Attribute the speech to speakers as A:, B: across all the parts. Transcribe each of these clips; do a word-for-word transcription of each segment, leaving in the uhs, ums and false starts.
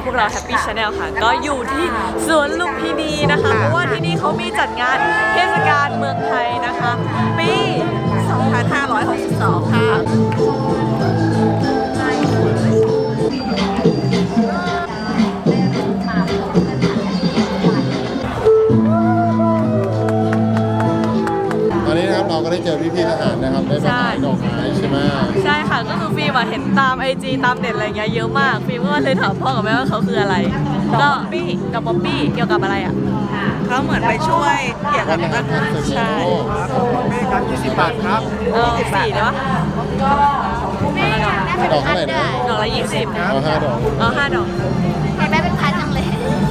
A: วกเรา Happy Channel ค่ะก็อยู่ที่สวนลุมพินีนะคะเพราะว่าที่นี่เขามีจัดงานเทศกาลเมืองไทยนะคะปีสองพันห้าร้อยหกสิบสองค่ะ
B: เราก็ได้เจอพี่ๆทหารนะครับได้มาขายดอกไม้ใช่ไหม
A: ใช่ค่ะก็คือฟิล์มเห็นตามไอจีตามเน็ตอะไรเงี้ยเยอะมากฟิล์มก็เลยถามพ่อกับแม่ว่าเขาคืออะไรก็ป๊อปปี้กับป๊อปปี้เกี่ยวกับอะไรอ่ะเขาเหมือนไปช่วยเกี่ยวกับใช่
B: แม่ครับยี่สิบบาทครับ
A: เออสี่เนาะ
B: ดอกเท่าไหร่นะ
A: ดอกละยี่สิบ
B: เอาห้าดอก
A: เอาห้าดอก
C: ให้แม่เป็นพันจังเลย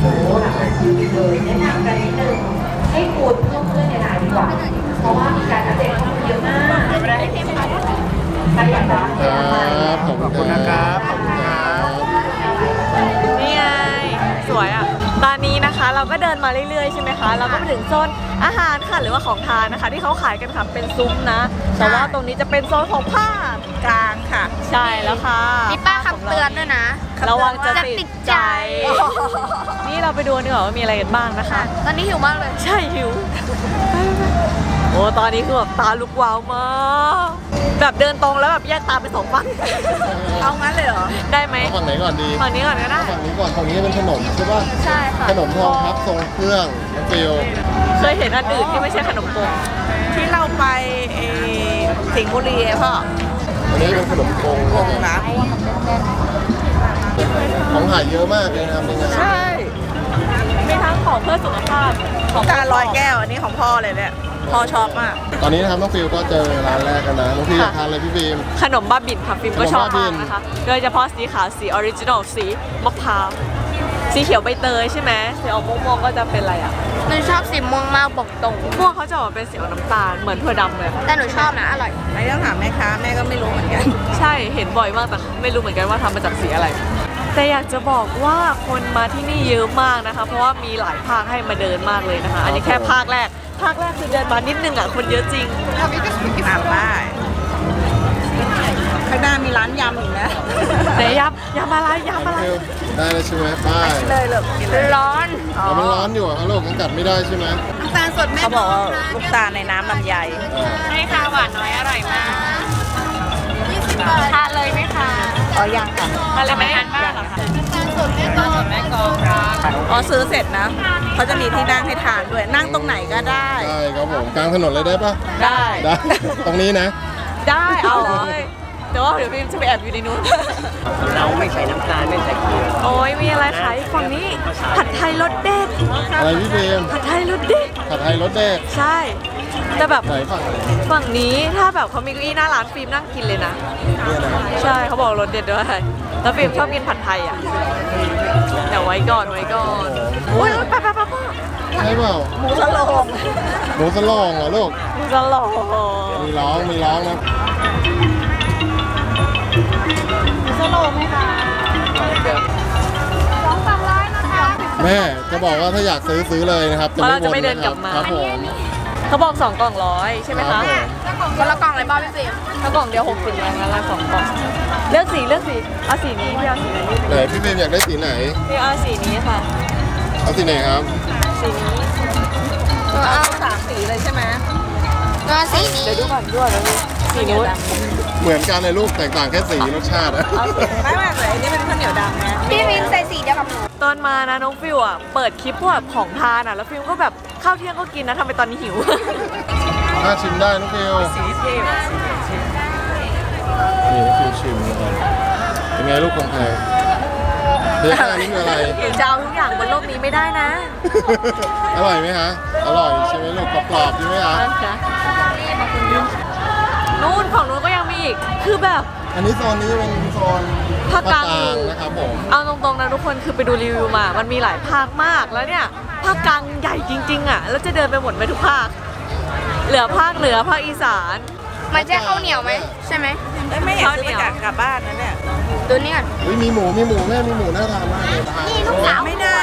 C: ให้ขูดลงเพื่อนในหลายดีกว่าเพราะว่ามีการอัปเดตข้อมูลเยอะมากให้เต็มพันใครอยากได้
B: ครับขอบคุณนะครับขอบคุณครับ
A: นี่ไงสวยอ่ะตอนนี้นะคะเราก็เดินมาเรื่อยๆใช่ไหมคะเราก็ไปถึงโซนอาหารค่ะหรือว่าของทานนะคะที่เขาขายกันค่ะเป็นซุ้มนะแต่ว่าตรงนี้จะเป็นโซนของผ้ากลางค่ะใช่แล้วค่ะ
C: มีป้าคำเตือนด้วยนะ
A: ระวังจะติดใจนี่เราไปดูดีกว่าว่ามีอะไรกันบ้างนะคะ
C: ตอนนี้หิวมากเลย
A: ใช่หิวโอ้ตอนนี้คือแบบตาลุกวาวมากแบบเดินตรงแล้วแบบแยกตาไปสองฝั่งเอางั้นเลยเหรอได้ไหม
B: ฝั่งไหนก่อนดี
A: ฝั่งนี้ก่อนก็ได้
B: ฝั่งนี้ก่อนฝั่งนี้เป็นขนมใช่ป่ะ
A: ใช่ค่ะ
B: ขนมทองพับทรงเครื่องฟิล
A: เคยเห็นอันอื่นที่ไม่ใช่ขนมกงที่เราไปสิงห์บุรีพ่อ
B: อันนี้เป็นขนมกงนะของหายเยอะมากเลยนะครับนี่
A: ใช่มีทั้งของเพื่อสุขภาพของการลอยแก้วอันนี้ของพ่อเลยเนี่ยพ่อชอบมาก
B: ตอนนี้นะครับน้องฟิลก็เจอร้านแรกกันนะน้องฟิลทานอะไรพี่ฟิล์ม
A: ขนมบ้าบินค่ะฟิล์มก็ชอบมากนะคะโดยเฉพาะสีขาวสีออริจินอลสีมะพร้าวสีเขียวใบเตยใช่ไหมสีออกม่วงๆก็จะเป็นอะไรอ่ะ
C: หนูชอบสีม่วงมากบอกตรง
A: ม่วงเขาจะออกเป็นสีน้ำตาลเหมือนถั่วดำเลย
C: แต่หนูชอบนะอร่อย
A: ไม่ต้องถามแม่ค้าแม่ก็ไม่รู้เหมือนกันใช่เห็นบ่อยมากแต่ไม่รู้เหมือนกันว่าทำมาจากสีอะไรแต่อยากจะบอกว่าคนมาที่นี่เยอะมากนะคะเพราะว่ามีหลายภาคให้มาเดินมากเลยนะคะอันนี้แค่ภาคแรกภาคแรกคือเดินมานิดนึงอ่ะคนเยอะจริงทำนี้ก็สุดอ่านได้ข้างหน้ามีร้านยำอีกนะไหนยำยำอะไรยำอะไร
B: ได้เลยใช่ไหมป้าย
A: เลยเลย
C: ร้อน
B: อ๋อมันร้อนอยู่อ่ะลูกยังกัดไม่ได้ใช่ไหม
A: น้ำตาลสดแม่เขาบอกว่าลูกตาลในน้ำลำไย
C: ใช่ค่ะหวานน้อยอร่อยมากทานเลยไหมคะ
A: อ๋อยังค่ะ
C: ทานเลยไหมทานบ้างเหรอคะน้ำตาลสดแม่กองแม่กอง
A: อ๋อซื้อเสร็จนะเขาจะมีที่นั่งให้ทานด้วยนั่งตรงไหนก็ได้
B: ได้ครับผมกลางถนนเลยได้ปะ
A: ได้
B: ได้ตรงนี้นะ
A: ได้เอาเลยแต่ว่าเดี๋ยวพี่จะไปแอบอยู่ในนู้น
D: เราไม่ใส่น้ำตาลไม่ใส่เกลือ
A: โอ้ยมีอะไรขายฝั่งนี้ผัดไทยรสเด็ด
B: อะไรพี่เบม
A: ผัดไทยรสเด็ด
B: ผัดไทยรสเด็ด
A: ใช่แต่แบบ
B: ไหนฝั่ง
A: ฝั่งนี้ถ้าแบบเขามีเก้าอี้หน้าร้านฟิล์มนั่งกินเลยนะใช่เขาบอกรสเด็ดด้วยแล้วฟิล์มชอบกินผัดไทยอ่ะเดี๋ยวไว้ก่อนไว้ก่อนโอ้ยไปไปไปพ่อ
B: ใช่เปล่า
A: หมูสโลง
B: หมูสโลงเหรอลูก
A: หมูสโลง
B: มีร้องมีร้องนะ
A: สโลไหมคะสองสามร้อยนะคะ
B: แม่จะบอกว่าถ้าอยากซื้อซื้อเลยนะครับ
A: จะไม่เดินกลับมา
B: ครับผม
A: เขาบอกสองกล่องร้อยใช่ไหมคะ
C: คนละกล่องเลยบ้าพี่ฟิล์ม
A: ถ้ากล่องเดียวหกสิบแล้วงั้นละสองกล่องเลือกสีเลือกสีเอาสีนี้พี่เอาสีไหน
B: ไหนพี่ฟิล์มอยากได้สีไหน
A: พี่เอาสีนี้ค่ะ
B: เอาสีไหนครับ
A: สีนี้เอาสามสีเลยใช่ไหม
C: ก็สีนี้
A: เดี๋ยวดูก่อนด้วยนะสีนู้น
B: เหมือนกันเลยลูกแตกต่างแค่สีรสชาติอะ
A: ไม่ไม่เลยอันนี้เป็นข้าวเหนียวดำนะ
C: พี่ฟิล์มใส่สีเดียวกับหนู
A: ตอนมานะน้องฟิวอ่ะเปิดคลิปพวกของทานอ่ะแล้วฟิวก็แบบข้าวเที่ยงก็กินนะทำไมตอนนี้หิว
B: น่าชิมได้น้องฟิว
A: สีเทพ
B: นี่น้องฟิวชิมนะครับเป็นไงลูกของแพงเดี๋ยวอันนี้คืออะไร
A: จะเอาทุกอย่างบนโลกนี้ไม่ได้นะ
B: อร่อยไหมฮะอร่อยใช่ไหมลูกกรอบๆใช่ไหมฮะ
A: นู่นของนู้นก็ยังมีอีกคือแบบ
B: อันนี้โซนนี้เป็นโซน
A: ภาคกลาง
B: นะครับผม
A: เอาตรงๆนะทุกคนคือไปดูรีวิวมามันมีหลายภาคมากแล้วเนี่ยภาคกลางใหญ่จริงๆอ่ะแล้วจะเดินไปหมดไปทุกภาคเหลือภาคเหนือภาคอีสาน
C: มันจะข้าวเหนียวไหมใช่ไหม
A: ไม่อยากซื้อกลับบ้านนะเนี่ย
C: ดูนี่ก่อน
B: มีหมูมีหมูแม่มีหมูน่าทานมากเลย
C: นี่ลูกสาว
A: ไม่ได้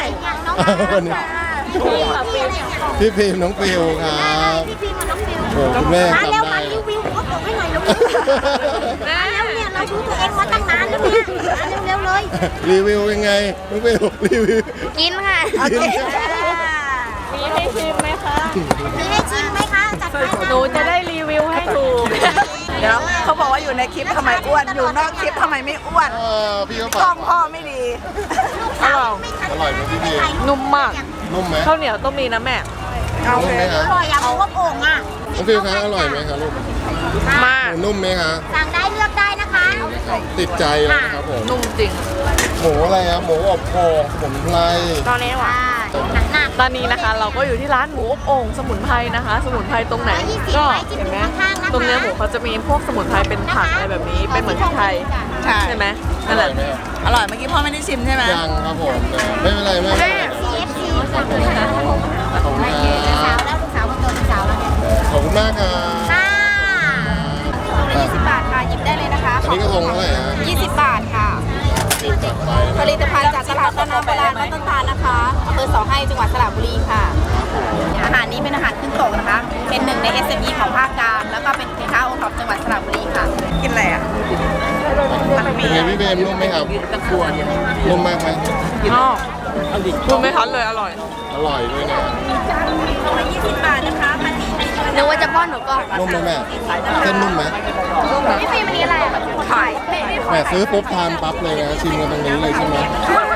B: พี่พิมน้องฟิวครับ
C: พี่พิมน้องฟิว
B: โอ้คุณแม่
C: มาเร็วมารีวิวเขาบอกให้หน่อยลูกมาเร็วเนี่ย
E: เราดูตัวเองมาตั้งนานแล้วเนี่ยเร็วๆเลย
B: รีวิวยังไงน้องฟิวรีวิว
E: กินค่ะ
B: กิน
A: มีให้ชิมไหมคะ
E: มีให้ชิมไหมคะจัดไป
A: หนูจะได้รีวิวให้ถูก
F: เดี๋ยวเขาบอกว่าอยู่ในคลิปทำไมอ้วน อยู่นอกคลิปทำไมไม่อ้วน
B: เออพี่เขา
F: กล้
B: ฝา
F: อก งพ่อไม่ดี
A: อร่อย
B: อร่อยไหมพี่พี
A: นุ่มมาก
B: นุ่มไหม
A: ข้าวเหนียวต้องมีนะแม่
F: เอา
B: นุ่ม
F: เล
B: ไหม
F: ย
B: คะ
E: อร่อยอย่างพวกโอ่งอ่ะ
B: น้องฟิวคะอร่อยไหมคะลูก
A: มาก
B: นุ่มไหมคะ
E: สั่งได้เลือกได้นะคะ
B: ติดใจเลยนะครับผม
A: นุ่มจริง
B: หมูอะไรครับหมูอบโอ่งสมุนไพร
A: ตอนนี้ว่ะ
E: หนักหนัก
A: ตอนนี้นะคะเราก็อยู่ที่ร้านหมูอบโอ่งสมุนไพรนะคะ สมุนไพรตรงไหน ก็เห็นไหมตรงเนื้อหมูเขาจะมีพวกสมุนไพรเป็นผักอะไรแบบนี้ เป็นเหมือนพริกไทย
F: ใช่
A: ใช่ไหม
B: อ
A: นั่นแห
B: ร่อ
A: ละ
B: ยไหมครับ
F: อร่อยเมื่อกี้พ่อไม่ได้ชิมใช่ไหม
B: ยังครับผมไม่เป็นไรแม่
E: ซีเอฟซีสั่งเลยค่ะ
B: ขอบคุณค
E: สา
B: รั
E: ว
B: บ
E: แล้วลูกสาวคนโตลูกสาวแล้วเนี่ย
B: ขอบคุณมากครับ
E: ค่ะ
F: ยี่สิบบาทค่ะหยิบได้เลยนะคะ
B: อันนี้กระทงเท่าไหร่ฮะ
F: ยี่สิบบาทค่ะ
B: สิบจัดไป
F: ผลิตภัณฑ์จากตลาดต้นน้ำโบราณวัดต้นตาลนะคะอำเภอเสาให้จังหวัดสระบุรีค่ะ อาหารนี้เป็นอาหารขึ้นโตกนะคะ เป็นหนึ่งใน เอส เอ็ม อี ของภาคกลางแล้วก็เป็นสินค้าโอท็อปจังหวัดสระบุรีค่ะ กินอะไรอ่ะมัน
B: เป็
F: มี
B: นไงพี่เบมนุ่มไหมครับนุ่มมากไหม
A: อ๋อคุณไม่ทันเลยอร่อย
B: อร่อยด้วยนะ
F: ยี่สิบบาทนะคะพันนี้
E: นึกว่าจะป้อนหนูก่อน
B: นุ่มไหมแม่เส้นนุ่มไหม
E: พี่ฟิล์มอันนี้อะไรอ่ะไข่
B: แม่ซื้อปุ๊บทานปั๊บเลยนะชิมกันตรงนี้เลยใช่ไหม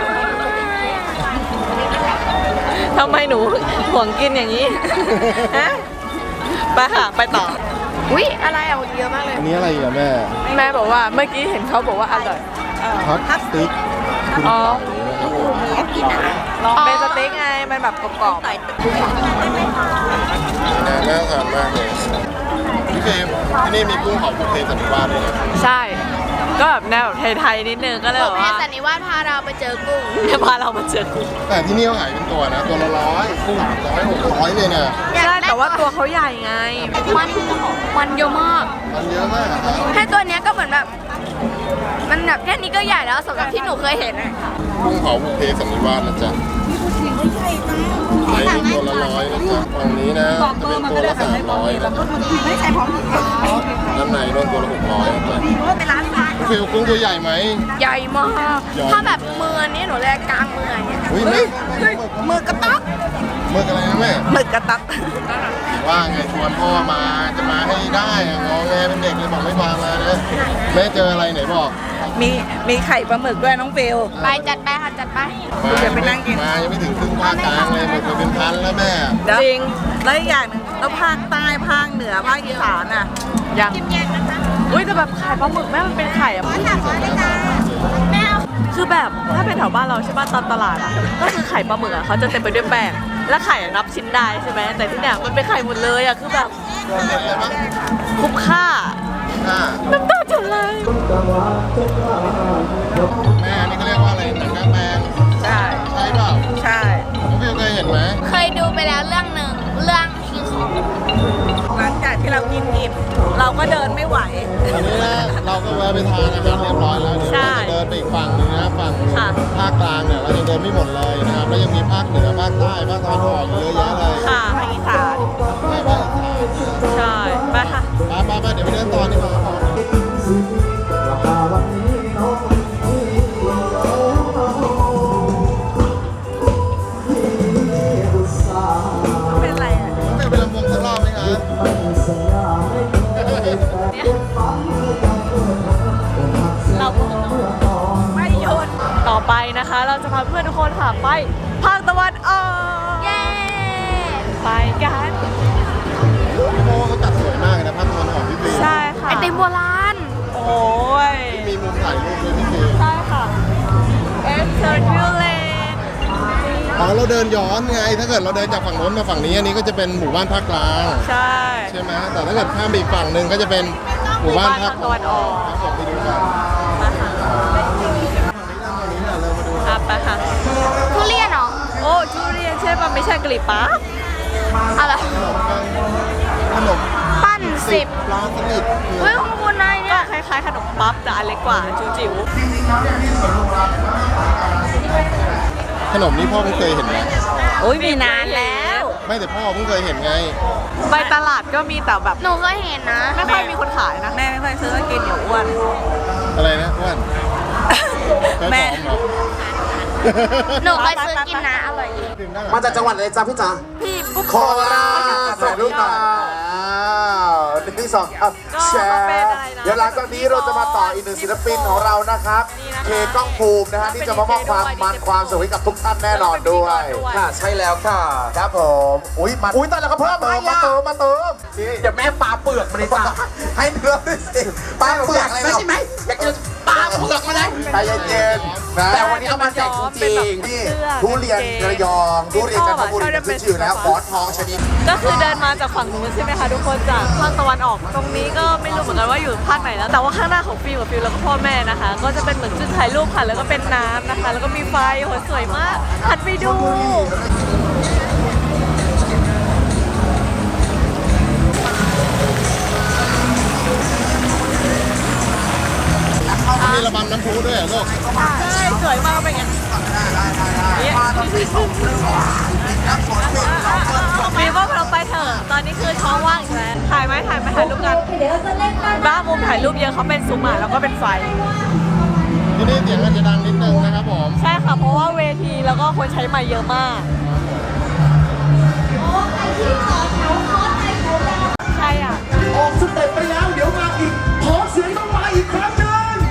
A: ทำไมหนูห่วงกินอย่างนี้ ฮะ ไปค่ะ ไปต่อ อุ๊ย อะไรอ่ะเยอะมากเลย
B: อันนี้อะไรอีกอะแม่
A: แม่บอกว่าเมื่อกี้เห็นเขาบอกว่าอร่อย
B: ฮอตสติ๊กคุณ
A: อ๋อ
B: ไก่นะครับผม
A: เป็นสเต็กไง มันแบบกรอบ
B: น่าน่าทานมากเลยพี่เฟรมที่นี่มีกุ้งเผาบุฟเฟ่ต์สันนิวาสด้วยนะ
A: ๆ ใช่ ก็แบบแนวแบบไทยๆนิดนึงก็เลยแบบ
E: แม่
A: ว่า
E: สันนิวาสพาเราไปเจอกุ้ง
A: จะพาเรามาเจอกุ้ง
B: แต่ที่นี่เขาขายเป็นตัวนะ ตัวละร้อยกุ้งสามร้อยหกร้อยเลยเนี่ย
A: ใช่แต่ว่าตัวเขาใหญ่ไง
E: มันมันเยอะมาก
B: มันเยอะมากอะครับ
E: แค่ตัวเนี้ยก็เหมือนแบบ มันแบบแค่นี้ก็ใหญ่แล้วสำหรับที่หนูเคยเห็นอะ
B: กุ้งเผาบุฟเฟ่ต์สันนิวาสนะจ๊ะขายเป็นตัวละร้อยนะจ๊ะฝั่งนี้นะจะเป็นตัวละสามร้อยนะ
F: ไม่ใช่พร้อมกิน
B: ด้านในโดนตัวละหกร้อยนะจ๊ะ
F: เป็นร้านค้า
B: ฟิลกุ้งตัวใหญ่ไหม
E: ใหญ่มาก
B: ใหญ่
E: ถ้าแบบมือนี้หนูเรียกกลางมืออย่างเงี้ย
B: อุ้ยแม่
F: มือกระต๊อก
B: เมื่ออะไรนะแม่
F: หมึกกระต๊อก
B: ว่าไงชวนพ่อมาจะมาให้ได้อะงอแงเป็นเด็กเลยบอกไม่มามานะแม่เจออะไรไหนบอก
F: มีมีไข่ปลาหมึกด้วยน้องฟิล
E: ไปจัดไปค่ะจัดไป
B: มา
F: เดี๋ยวไปนั่งกิน
B: มายังไม่ถึงครึ่งภาคกลางเลยหมดไปเป็นพันแล้วแม่
A: จริง
F: แล้วอีกอย่างหนึงแล้วภาคใต้ภาคเหนือภาคอีสานอ่ะ
A: ยังอุ้ยแต่แบบไข่ปลาหมึกแม่มันเป็นไข่อะคือแบบถ้าเป็นแถวบ้านเราใช่ป่ะตามตลาดอะก็คือไข่ปลาหมึกอะเขาจะเต็มไปด้วยแป้งและไข่อะนับชิ้นได้ใช่ไหมแต่ที่เนี่ยมันเป็นไข่หมดเลยอะคือแบบ
B: เด็กเลยมั้ง
A: คุ้มค่า
B: ค่ะ
A: น้ำตาจะไหล
B: แม่อันนี่เขาเรียกว่าอะไรหนังกางแปลง
F: ใช่
B: ใช่เปล่า
F: ใช่
B: น้องฟิวเคยเห็นไหม
E: เคยดูไปแล้วเรื่องหนึ่งเรื่องคิงคอง
F: หลังจากที่เรากินอิ่มเราก็เดินไม่ไหว
B: อันนี้นะเราก็แวะไปทานอาหารเรียบร้อยแล้วเดี๋ยวเราจะเดินไปอีกฝั่งหนึงนะฝั่งภาคกลางเนี่ยเราจะเดินไม่หมดเลยนะครับแล้วยังมีภาคเหนือภาคใต้ภาคตะวันออกเยอะแยะเลย
A: ค่ะ
F: ภาคอีสาน
B: ไปภาคอีสาน
A: ใช่ไปค่ะ
B: ไปไปไปเดี๋ยวไปเดินต่อดีกว่าครับ
F: เป็นไรอ่ะ
B: ไม่ไปลำวงสักรอบไหมครับ
A: เรา
F: ไม่หยุด
A: ต่อไปนะคะ เราจะพาเพื่อนทุกคนค่ะไปภาคตะวันออก
E: เย้
A: ไปกัน
B: พี่โมเขาจัดสวยมากเลยนะภาคตะวันออกพี่ปี
A: ใช่ค่ะ
E: ไอติมโบราณ
A: โอ้ย
B: มีมุมถ่ายรูปด้วยพี่ปี
A: ใช่ค่ะเอสเซอร์คิวเลน
B: อ๋อเราเดินย้อนไง ถ้าเกิดเราเดินจากฝั่งโน้นมาฝั่งนี้อันนี้ก็จะเป็นหมู่บ้านภาคกลาง
A: ใช่
B: ใช่ไหมแต่ถ้าเกิดข้ามไปอีกฝั่งหนึ่งก็จะเป็นหมู่บ้านภาค
A: ตะวันออก
B: ครับผมไปดูกัน
A: มาค่ะครับไปค่ะ
E: ทุเรียนเหรอ
A: โอ้ทุเรียนใช่ป่ะไม่ใช่กะหรี่ปั๊บ
E: อะไร
B: ขนม
E: ปั้นสิบ
B: ปลาสลิด
E: เฮ้ยของคุณนาย
A: ก็
E: เนี่ย
A: คล้ายๆขนมปั๊บแต่อันเล็กกว่าจิ๋ว
B: ขนมนี้พ่อเพิ่งเคยเห็นไหม
F: โอ้ยมีนานแล้ว
A: ม
B: ไม่แต่พ่อเพิ่งเคยเห็นไง
A: ไปตลาดก็มีแต่แบบ
E: หนูเคยเห็นนะ
A: ไม่ค่อยมีคนขายนะ
F: แม่ไม่ค่อยซื้อกินเดี๋ยวอ้วน
B: อะไรนะอ้วน
F: แม่
E: หนูเคยซื้อกินนะอร่อยดี
G: มาจากจังหวัดอะไรจ๊ะพี่จ๋า
A: พี่ปุ๊บ
G: โคราชถ่ายรูปหน่อยอ้าวหนึ่งที่สองครับแชร์เดี๋ยวหลังจากนี้เราจะมาต่ออีกหนึ่งศิลปินของเรานะครับ เคกล้องภูมินะฮะที่จะมามอบความมันความสนุกให้กับทุกท่านแน่นอนด้วย
H: ค่ะใช่แล้วค่ะ
G: ครับผมอุ้ยมันอุ้ยแต่ละก็เพิ่มให้มาเติมมาเติมนี่
H: เดี๋ยวแม่ปลาเปลือกมาเลยจ้ะ
G: ให้เนื้อด้วยสิปลาเปลือกอะไร
H: ไม่ใช่ไหมอยากจะปลาเปลือกมาเลย
G: ใจเย็นๆนะ
H: แต่วันนี้เอามาแจกจริง
G: นี่ทุเรียนระยองทุเรียนจันทบุรีเนี่ยขึ้นชื่อแล้วหมอนทองชนิด
A: ก็คือเดินมาจากฝั่งนู้นใช่ไหมคะทุกคนจากภาคตะวันออก ตรงนี้ก็ไม่รู้เหมือนกันว่าอยู่ภาคไหนแล้วแต่ว่าข้างหน้าของฟิลกับฟิลแล้วก็พ่อแม่นะคะ ก็จะเป็นเหมือนจุดถ่ายรูปค่ะแล้วก็เป็นน้ำนะคะ แล้วก็มีไฟโหสวยมากหันไปดู
B: มีระบำน้ำพุด้วยเหรอลูก
A: ใช่สวยมากเป็นไงมีว่าเราไปเถอะตอนนี้คือท้องว่างอีกแล้วถ่ายไหมถ่ายไหมถ่ายรูปกันบ้ามุมถ่ายรูปเยอะเขาเป็นซูมอ่ะแล้วก็เป็นไฟ
B: ที่นี่เสียงอาจจะดังนิดนึงนะครับผม
A: ใช่ค่ะเพราะว่าเวทีแล้วก็คนใช้ไมค์เยอะมากใช่อ่ะ
G: ออกสเต็ปไปแล้วเดี๋ยวมาอีกขอเสียงต้องมาอีกครั้งหนึง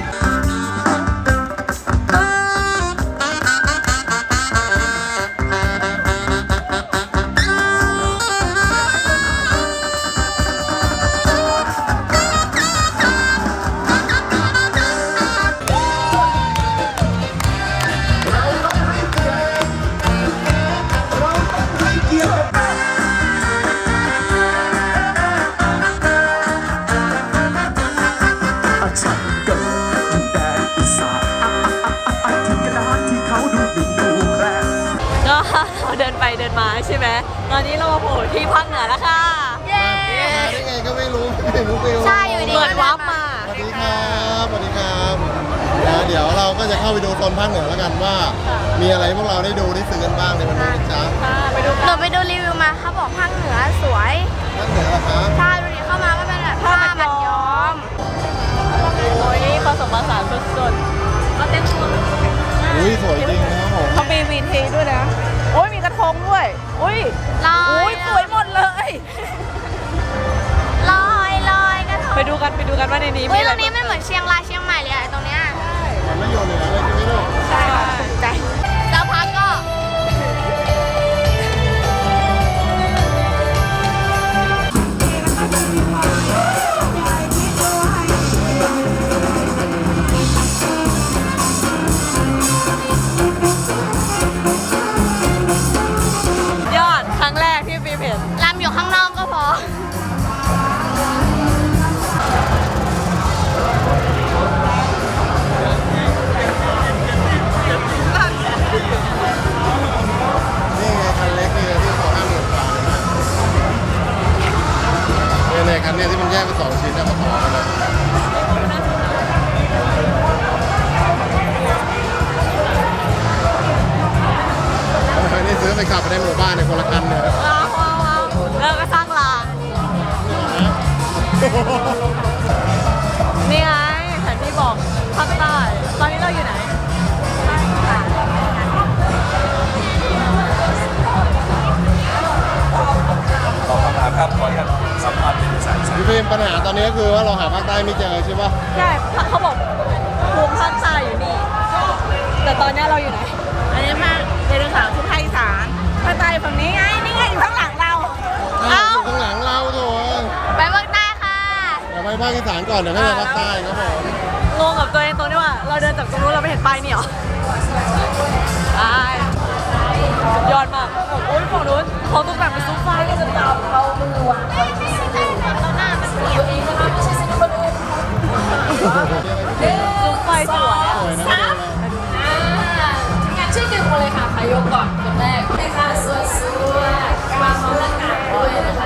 I: อาฉันเกิดอยู่แดนอีสานอ่ะอ่ะอ่ะอ่ะที่กระดานที่เขาดูดูดูแรง
A: ก็เราเดินไปเดินมาใช่ไหมตอนนี้เรามาโผล่ที่ภาคเหนือแล้วค่ะ
E: เย้
B: มาได้ไงก็ไม่รู้ไม่รู้ฟิล
E: ใช่อยู่ดี
A: เหมือนวับมา
B: สวัสดีครับสวัสดีครับนะเดี๋ยวเราก็จะเข้าไปดูโซนภาคเหนือแล้วกันว่า มีอะไรพวกเราได้ดูได้ซื้อกันบ้างในวันนี้นะจ๊ะ
A: ค่ะไปดู
E: หนูไปดูรีวิวมาเขาบอกภาคเหนือสวย
B: ภาคเหนือเหรอครับ
E: ใช่ดูดิเข้ามาก็เป็นแบบผ้ามัดย้อม
A: โอ้ยผสมผสานสุดๆก็เต้นตัว
B: อุ้ยสวยจริงนะครับผม
F: เขามีวีทีด้วยนะ โอ้ยมีกระทงด้วย อุ้ย
E: ลอย
F: อุ้ยสวยหมดเลย
E: ลอยลอยกระทง
A: ไปดูกันไปดูกันว่าในนี้
E: เฮ้
A: มี
E: ย
A: อะ
E: ต
A: ไร
E: รงนี้มันเหมือนเชียงรายเชียงใหม่เลยอะตรงเนี้ย
B: มันไม่โยนเหนือเลยใช่ไหมลูก
A: ใช่
E: ใจแล้วพักก็
A: ยอดครั้งแรกที่ฟิล์มเห็น
E: ลำอยู่ข้างนอกก็พอ
B: นี่ไงคันเล็กนี่ที่เขาห้ามหยุดก่อนเนี่ยในคันเนี้ยที่มันแยกเป็นสองชิ้นนะมาต่อกันเลยนี่ซื้อไปขับไปในหมู่บ้านในคนละคันเนี่ย
A: ว้าวว้าวว้าวแล้วก็สร้างรางนี่ไงแผนที่บอกภาคใต้ ตอนนี้เราอยู่ไหน
H: ตอบคำถามครับขออนุญาตสัมภาษณ์เป็นภาษาอีสาน
B: พี่ฟิล์มปัญหาตอนนี้ก็คือว่าเราหาภาคใต้ไม่เจอใช่ปะ
A: ใช่เขาบอกภูมิภาคใต้อยู่นี่ แต่ตอนนี้เราอยู่ไหน
F: อันนี้มาเรียนข่าวที่ภาคอีสานภาคใต้ฝั่งนี้ไง นี่ไงอยู่ข้างหลังเรา
A: เอ้า
B: อยู่ข้างหลังเราโถ
E: ไปภาคใต้ค่ะ
B: เดี๋ยวไปภาคอีสานก่อนเดี๋ยวก็ไปภาคใต้ครับผม
A: งงกับตัวเองตรงที่ว่า เราเดินจากตรงนู้นเราไม่เห็นป้ายนี่หรอใช่ยอดมากโอ้ยฝั่งนู้นเขาต้องแบบเป็นซุปไฟก็จะตามเขามือวางเราหน้ามันเสียบเองนะคะไม่ใช่ซิลิโคนซุปไฟสวยอ่ะ
B: สวยนะ
E: งั้นช่วยดึงมาเลยค่ะใครยกก่อนคนแรกเลยค่ะสวยๆวางเขาละกันด้วยนะคะ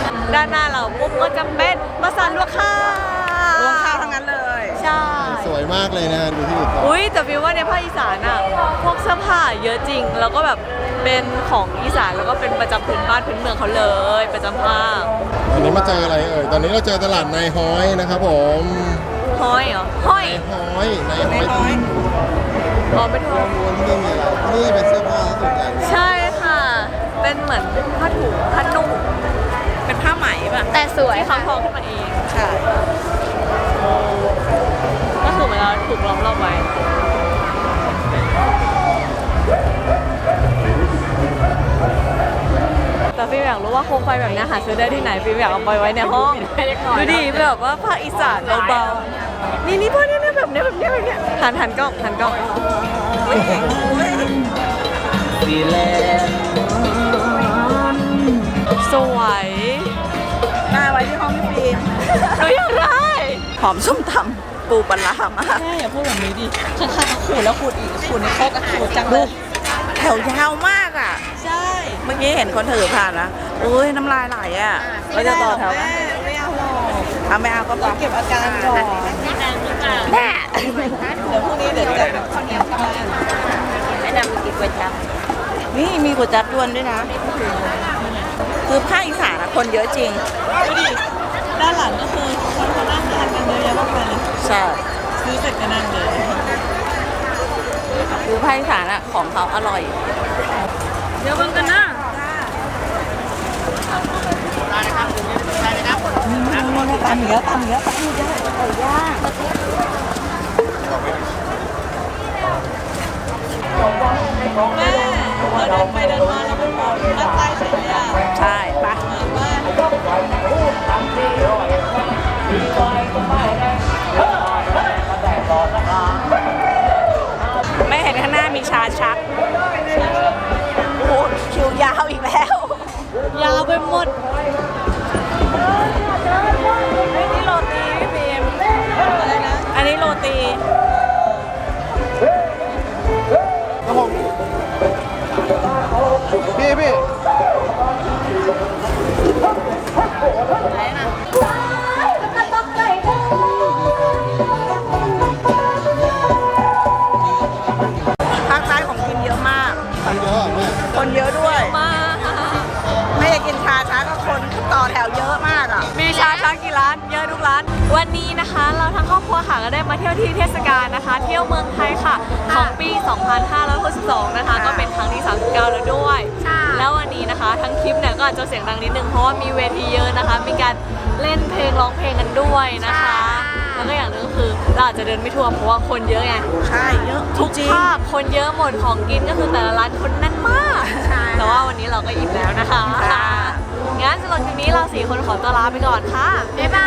A: ด้านหน้าเราปุ๊บก็จะเป็นภาษาลวกข้าว
F: รวมข้าวทั้งนั้นเลย
A: ใช่
B: สวยมมากเลยนะดูที่อยู่ต่อ
A: อุ้ยแต่ฟิลว่าในภาคอีสานอะพวกเสื้อผ้าเยอะจริง แล้วก็แบบเป็นของอีสานแล้วก็เป็นประจำพื้นบ้านพื้นเมืองเขาเลยประจำภาค
B: วันนี้มาเจออะไรเอ่ยตอนนี้เราเจอตลาดนายฮ้อยนะครับผม
A: ห้อยเหรอห้อย
B: นายฮ้อยนายฮ้อย
A: อ๋อไม่ถูก
B: วนที่นี่มีอะไรนี่เป็นเสื้อผ้าส่วนใหญ่
A: ใช่ค่ะ เป็นเหมือนผ้าถุงผ้านุ่ง
F: เป็นผ้าไหมป่ะ
A: แต่สวยที่เขาทอขึ้นมาเองใช่ก็คือเหมือนเราถูกล้อมรอบไว้แต่ฟิล์มอยากรู้ว่าโคมไฟแบบนี้หาซื้อได้ที่ไหนฟิล์มอยากเอาไปไว้ในห้องดูดิแบบว่าภาคอีสานเบาๆนี่นี่พวกนี้เนี่ยแบบเนี้ยแบบเนี้ยแบบเนี้ยหันหันกล้องหันกล้อง
D: ดีแลนด์
A: สวย
F: หน้าไว้ที่ห้องพี่ฟิล์ม
A: หนูอยากได้
F: หอมส้มตำปูปลาร้ามาก
E: ใช่อย่าพูดแบบนี้ดิข้างๆก็ขูดแล้วขูดอีกขูดในโคกก็ขูดจังเลย
F: แถวยาวมากอ่ะ
E: ใช่
F: เมื่อกี้เห็นคนถือผ่านนะอุ้ยน้ำลายไหลอ่ะเราจะต่อแถวไหม
E: ไม่เอาหรอก
F: เอาไม่เอาก็ป
E: เก็บอาการก่อน
F: แน่
E: เดี๋ยวพรุ่งนี้เดี๋ยวจะแบบข้าวเหนียวกลับบ้าน
F: แนะนำกินก๋วยจั๊บนี่มีก๋วยจั๊บยวนด้วยนะ คือภาคอีสานอะคนเยอะจริง
E: ดูดิด้านหลังก็คือคนเขานั่งทานกันเยอะแยะมากมายเลย
F: ใช่
E: ซื้อเสร็จก็นั่งเลย
F: คือภาคอีสานอะของเขาอร่อย
A: เดี๋ยวเบิ่งกันนะ
E: ตามเหนือตามเหนือตามเหนือ แม่เราเดินไปเดินมาแล้วมันมองด้านใต้เฉยเลยอ่ะ
F: ใช่ปะ
E: บ้าน
F: ไม่เห็นข้างหน้ามีชาชักโอ้คิวยาวอีกแล้ว
A: ยาวไปหมด
F: เฮ้ยนี่โรตีพี่พิมอะไรนะ อันนี้โรตี
B: ครับผมพี่พี่
F: ภาคใต้ของกินเยอะมาก
B: คนเยอะแม่
F: คนเยอะด้วย
A: มา
F: ไม่ได้กินชาชักก็คนต่อแถวเยอะมากอ่ะ
A: มีชาชักกี่ร้านเยอะทุกร้าน วันนี้นะคะ เราทั้งครอบครัวค่ะก็ได้มาเที่ยวที่เทศกาลนะคะ เที่ยวเมืองไทยค่ะ ของปี สองพันห้าร้อยหกสิบสอง นะคะ ก็เป็นครั้งที่ สามสิบเก้า แล้วด้วย แล้ววันนี้นะคะ ทั้งคลิปเนี่ยก็อาจจะเสียงดังนิดนึงเพราะว่ามีเวทีเยอะนะคะ มีการเล่นเพลงร้องเพลงกันด้วยนะคะ แล้วก็อย่างหนึงก็คือเราอาจจะเดินไม่ทั่วเพราะว่าคนเยอะไง
F: ใช่ เยอะ
A: ทุก
F: จริง
A: ภาคคนเยอะหมดของกินก็คือแต่ละร้านคนแน่นมาก
F: ใช่
A: แต่ว่าวันนี้เราก็อิ่มแล้วนะคะ
F: ค่ะ
A: งั้นสำหรับคลิปนี้เราสี่คนขอตัวลาไปก่อนค่ะ
F: บ๊ายบา